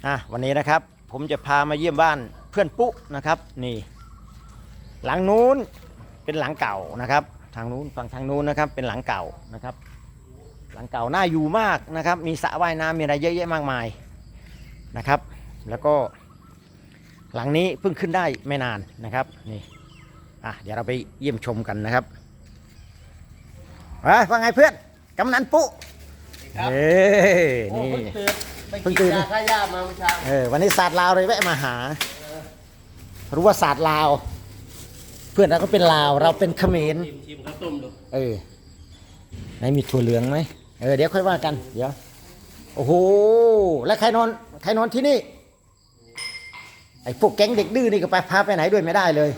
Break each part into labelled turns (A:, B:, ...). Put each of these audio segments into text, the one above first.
A: วันนี้นะครับผมจะพามาเยี่ยมบ้านเพื่อนปุ๊นะครับนี่หลังนู้นเป็นหลังเก่านะครับทางนู้นฝั่งทางนู้นนะครับเป็นหลังเก่านะครับหลังเก่าน่าอยู่มากนะครับมีสระว่ายน้ำมีอะไรเยอะแยะมากมายนะครับแล้วก็หลังนี้เพิ่งขึ้นได้ไม่นานนะครับนี่เดี๋ยวเราไปเยี่ยมชมกันนะครับว่าไงเพื่อนกำนันปุ๊นี่เพิ่งตื่นข้าย่ามาเมื่อเช้าวันนี้ศาสตร์ลาวเลยแวะมาหารู้ว่าศาสตร์ลาวเพื่อนเราก็เป็นลาวเราเป็นเขมรชิมข้าวต้มดูไหนมีถั่วเหลืองไหมเดี๋ยวค่อยว่ากันเดี๋ยวโอ้โหแล้วใครนอนที่นี่ไอ้พวกแก๊งเด็กดื้อนี่ก็ไปพาไปไหนด้วยไม่ได้เลย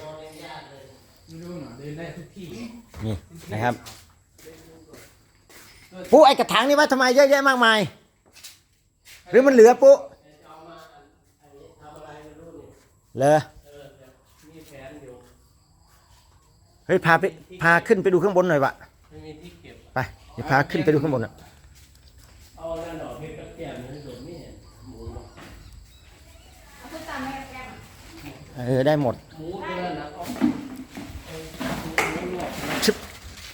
A: นี่นะครับปุ๊ไอ้กระถางนี่ว่าทำไมเยอะแยะมากมายหรือมันเหลือปุ๊เลยเฮ้ยพาขึ้นไปดูข้างบนหน่อยวะไปเดี๋ยวพาขึ้นไปดูข้างบนอ่ะได้หมดชึบ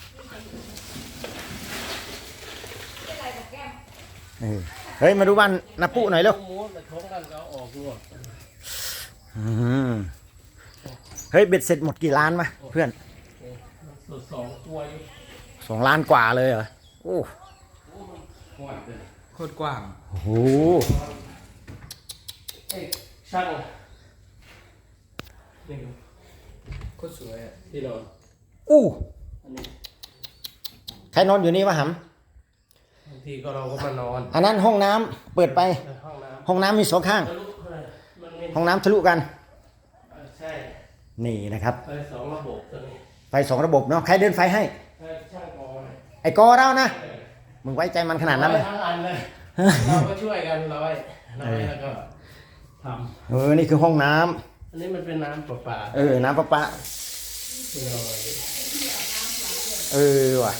A: เฮ้ยมาดูบ้านนาปุ๊หน่อยเร็วเฮ้ยเบ็ดเสร็จหมดกี่ล้านมาเพื่อน2 ล้านกว่าเลยเหรอโอ้
B: โคตรกว้าง
A: โอ้โห
B: ช่างโคตรสวยอ่ะที่นอน
A: ใครนอนอยู่นี่วะหำ
B: บางทีก็เราก็มานอน
A: อันนั้นห้องน้ำเปิดไปห้องน้ำมี2 ข้างห้องน้ำทะลุกัน
B: ใช่
A: นี่นะครับ
B: ไฟ2 ระบบตัวนี้
A: ไฟ2 ระบบเนาะใครเดินไฟให้
B: ช่างกอ
A: ไอ้กอเรานะมึงไว้ใจมันขนาดนั้นเลย
B: ทั้งอันเลยเราก็ช่วยกันร้อยแล้วก็ท
A: ำนี่คือห้องน้
B: ำอันนี้มันเป็นน้ำประปา
A: น้ำประปาว่ะ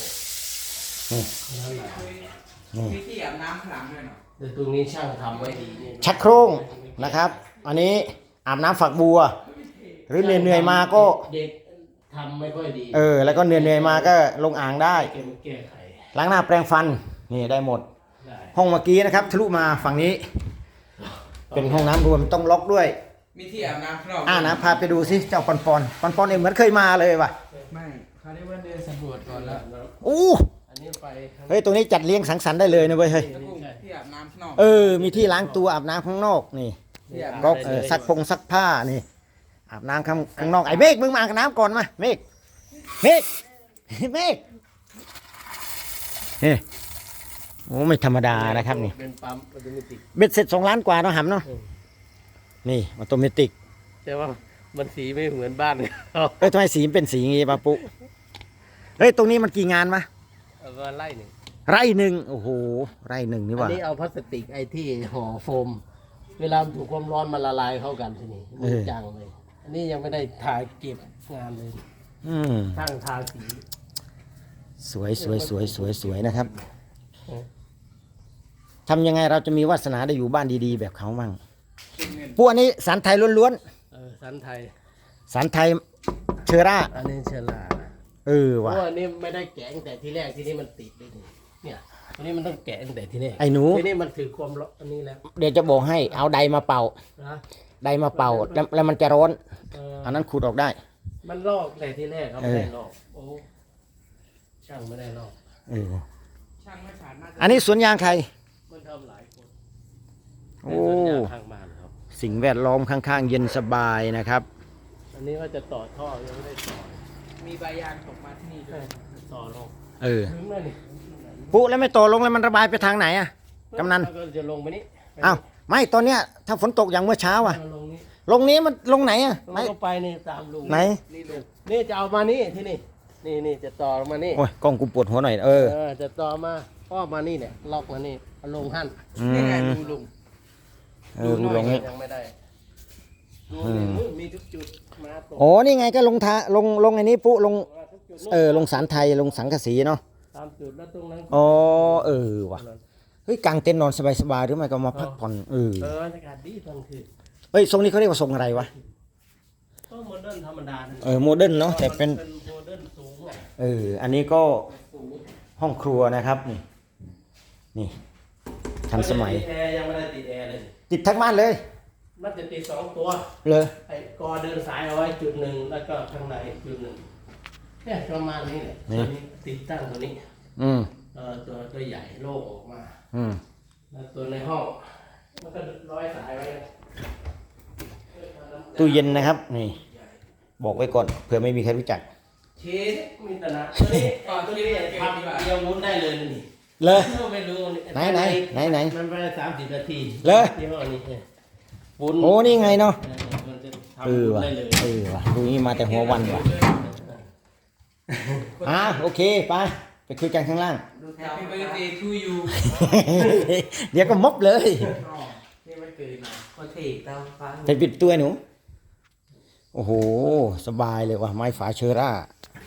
B: มีที่อาบน้ำขลังด้วยเนาะแต่ตรงนี้ช่างทำไว้ดี
A: ชักโครงนะครับอันนี้อาบน้ำฝักบัวหรือเหนื่อยมาก็
B: เด็กทำไม่ค่อยดี
A: แล้วก็เหนื่อยมาก็ลงอ่างได้
B: แก้ไข
A: ล้างหน้าแปรงฟันนี่ได้หมดห้องเมื่อกี้นะครับทะลุมาฝั่งนี้เป็นห้องน้ำรวมต้องล็อกด้วย
B: มีที่อาบน้ำข้างนอก
A: นะพาไปดูสิเจ้าปอนเองเหมือนเคยมาเลยว่ะ
B: ไม่เขาได้ว่าเดินสำรวจก่อนแล้วอันนี้ไป
A: เฮ้ยตรงนี้จัดเลี้ยงสังสรรค์ได้เลยนะเว้ยเฮ้ย
B: ที่อาบน้ำข้างนอก
A: มีที่ล้างตัวอาบน้ำข้างนอกนี่ก็ซักผ้านี่อาบน้ำข้างนอกไอ้เมฆมึงมาอาบน้ำก่อนมาเมฆเฮ้โอ้ไม่ธรรมดานะครับนี่
B: เป็นปั๊มออโตเมติก
A: เบ็ดเสร็จ2 ล้านกว่าเนาะหำเนาะนี่ออโตเมติก
B: แต่ว่ามันสีไม่เหมือนบ้าน
A: ทำไมสีเป็นสีงี้ปะปุ๊เฮ้ยตรงนี้มันกี่งานมา
B: ไร่หนึ่ง
A: โอ้โหไร่หนึ่งนี่ว่ะ
B: อันนี้เอาพลาสติกไอ้ที่ห่อโฟมเวลาถูกความร้อนมันละลายเข้ากันทีนี้มันจางเลยอันนี้ยังไม่ได้ทาเก็บงานเลยช่างทาสี
A: สวยนะครับทำยังไงเราจะมีวาสนาได้อยู่บ้านดีๆแบบเขามั่งพวกนี้สันไทยล้วน
B: ๆสันไทย
A: เชอร่า
B: อันนี้เชอร่า
A: ว่ะ
B: เพราะอันนี้ไม่ได้แกะตั้งแต่ที่แรกที่นี่มันติดเลยเนี่ยอันนี้มันต้องแกะตั้งแต่ที่แรก
A: ไอ้หนู
B: ที่นี่มันถือความร้อนอันนี้แล้ว
A: เดี๋ยวจะบอกให้เอาไดมาเป่าแล้วมันจะร้อนอันนั้นขูดออกได้
B: มันลอกแต่ที่แรกครับไม่ได้ลอกช่างไม่ได้ลอกช่างไม่ผ่าน
A: อันนี้สวนยางใคร
B: มันทำหลายคน
A: สวนยางข้างบ้านครับสิ่งแวดล้อมข้างๆเย็นสบายนะครับ
B: อันนี้ว่าจะต่อท่อยังไม่ได้ต่อมีใบยางตกมาที่นี่ด้วยต่อลง
A: ปุ๊แล้วไม่ต่อลงแล้วมันระบายไปทางไหนอ่ะกำนัน
B: ก็จะลงไปนี่
A: ไม่ตอนเนี้ยถ้าฝนตกอย่างเมื่อเช้าอ่ะลงนี้มันลงไหนอ่ะ
B: ไม่ไปนี่ตามลุง
A: ไหน
B: นี่จะเอามานี่ที่นี่จะต่อมานี่
A: โอ้ยกล้องกูปวดหัวหน่อย
B: จะต่อมาอ้อมานี่เนี่ยล็อกมานี่เอาลงหั่นนี่ไงดูลุง
A: ดูลงนี่
B: ยังไม่ได้มีทุกจุดมาต
A: กนี่ไงก็ลงไอ้นี้ปุ๊ลงสารไทยลงสังกะสีเนาะ
B: ตามจุดแล้วตรงนั้น
A: ว่ะเฮ้ยกางเต็นท์นอนสบายๆหรือไม่ก็มาพักผ่อน
B: บรรยากาศดีตอนคืน
A: เฮ้ยทรงนี้เขาเรียกว่าทรงอะไรวะ
B: ก็โมเดิร์นธรรมดา
A: โมเดิร์นเนาะแต่เป็น
B: โมเดิร์นสูงอ่ะ
A: อันนี้ก็
B: สูง
A: ห้องครัวนะครับนี่ทันสมัย
B: แอร์ยังไม่ได้ติดแอร์เลย
A: ติดทั้งบ้านเลย
B: มันจะติด2 ตัว
A: เลย
B: ไอ้กอเดินสายเอาไว้จุดหนึ่งแล้วก็ข้างในจุดหนึ่งแค่ประมาณนี้แหละตัวนี้ติดตั้งตัวนี้
A: อืม
B: ตัวใหญ่โล่งออกมา
A: อืม
B: แล้วตัวในห้องมันก็ร้อยสายไว้
A: ตู้เย็นนะครับนี่บอกไว้ก่อนเผื่อไม่มีใครรู้จัก
B: เชฟมีแต่นะตัวนี้ตัวนี้ทำเดียววุ้นได้เลยนี่
A: เลย
B: ไม่รู้
A: ไหน
B: มันไป30 นาที
A: เลย
B: ที่ห้อนี้วุ้น
A: โอ้นี่ไงเนาะ
B: มันจะทำวุ้น
A: ว่ะ
B: ได้เลย
A: ว่ะดูนี่มาแต่หัววันว่ะโอเคไปคุยกันข้างล่าง
C: Happy birthday to you
A: เดี๋ยวก็มบเลย
C: นี่มันเกิดมาพอเทกตามฟัง
A: ไปปิดตัวหนูโอ้โหสบายเลยว่ะไม้ฝาเชอร่า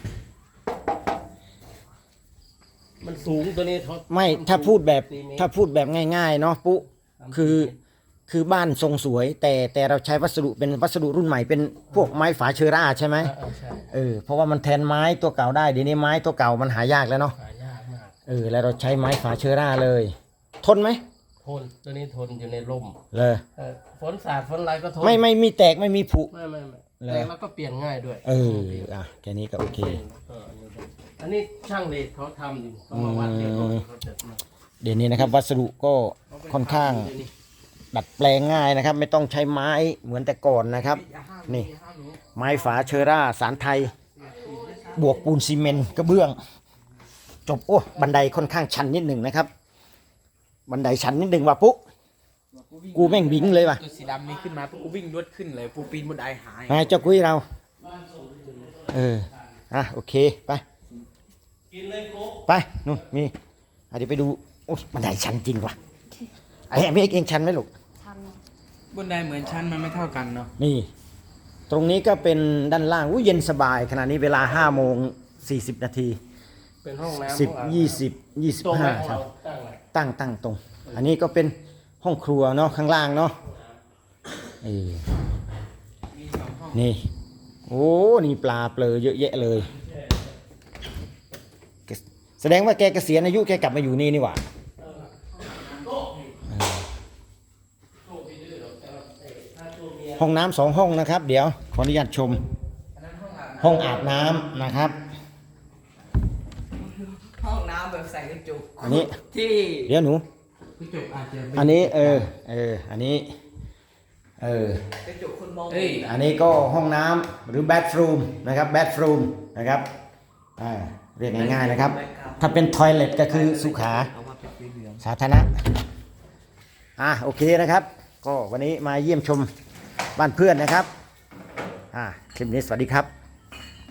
B: มันสูงตัวนี้เขา
A: ไม่ถ้าพูดแบบง่ายๆเนาะปุ๊คือบ้านทรงสวย แต่เราใช้วัสดุเป็นวัสดุรุ่นใหม่เป็นพวกไม้ฝาเชอร่าใช่ไหม
B: ใช่
A: เพราะว่ามันแทนไม้ตัวเก่าได้เดี๋ยวนี้ไม้ตัวเก่ามันหายากแล้วเนาะ
B: หายากมาก
A: แล้วเราใช้ไม้ฝาเชอร่าเลย ทนไหม
B: ทนตัวนี้ทนอยู่ในร่ม
A: เลย
B: ฝนสาดฝนอะไรก็ทน
A: ไม่มีแตกไม่มีผุ
B: ไม่
A: เลย
B: แต่แล้วก็เปลี่ยนง่ายด้วย
A: แค่นี้ก็โอเค
B: อันนี้ช่างเด็กเขาทำอยู่เขามาวัดเรียบร้อยเขาจัดมา
A: เดี๋ยวนี้นะครับวัสดุก็ค่อนข้างดัดแปลงง่ายนะครับ ไม่ต้องใช้ไม้เหมือนแต่ก่อนนะครับ นี่ไม้ฝาเชอร่าสารไทย บวกปูนซีเมนต์กระเบื้อง จบบันไดค่อนข้างชันนิดหนึ่งนะครับ บันไดชันนิดหนึ่งว่ะปุ๊กูแม่งบิงเลยว่ะ
C: ตัวสีดำนี้ขึ้นมาปุ๊บกูวิ่งรวดขึ้นเลยปูปีนบนไดหาย
A: ไงเจ้ากุ้ยเราโอเคไป
B: กินเลยโค้ก
A: ไปนู่นมีเดี๋ยวไปดูโอ้บันไดชันจริงว่ะไอ้เมฆเองชันไหมลูก
C: บนไดเหมือนชั้นมันไม่เท่ากันเนาะ
A: นี่ ตรงนี้ก็เป็นด้านล่างเย็นสบายขณะนี้เวลา5 โมง 40 นาที
B: เป็นห้องน้ำ
A: 10
B: ตรงไหน
A: 25 ครับ
B: ตั้งไหน
A: ตั้งตรง อันนี้ก็เป็นห้องครัวเนาะข้างล่างเนาะ
C: มี2 ห้อง
A: นี่โอ้นี่ปลาเปลือเยอะแยะเลย แสดงว่าแกเกษียณอายุแกกลับมาอยู่นี่นี่หว่าห้องน้ำ2 ห้องนะครับ เดี๋ยวขออนุญาตชม ห้องอาบน้ำนะครับ
C: ห้องน้ำแบบใส่กระจก
A: อันนี้
C: ที่
A: เดี๋ยวหนู
C: กระจกอาจจะ
A: อันนี้อันนี้
C: กระจกคนมอง
A: อันนี้ก็ห้องน้ำหรือ bathroom นะครับ bathroom นะครับเรียกง่ายๆนะครับ ถ้าเป็น toilet ก็คือสุขา
C: เอามาเป็นสีเหลือง
A: สาธารณะโอเคนะครับ ก็วันนี้มาเยี่ยมชมบ้านเพื่อนนะครับคลิปนี้สวัสดีครับ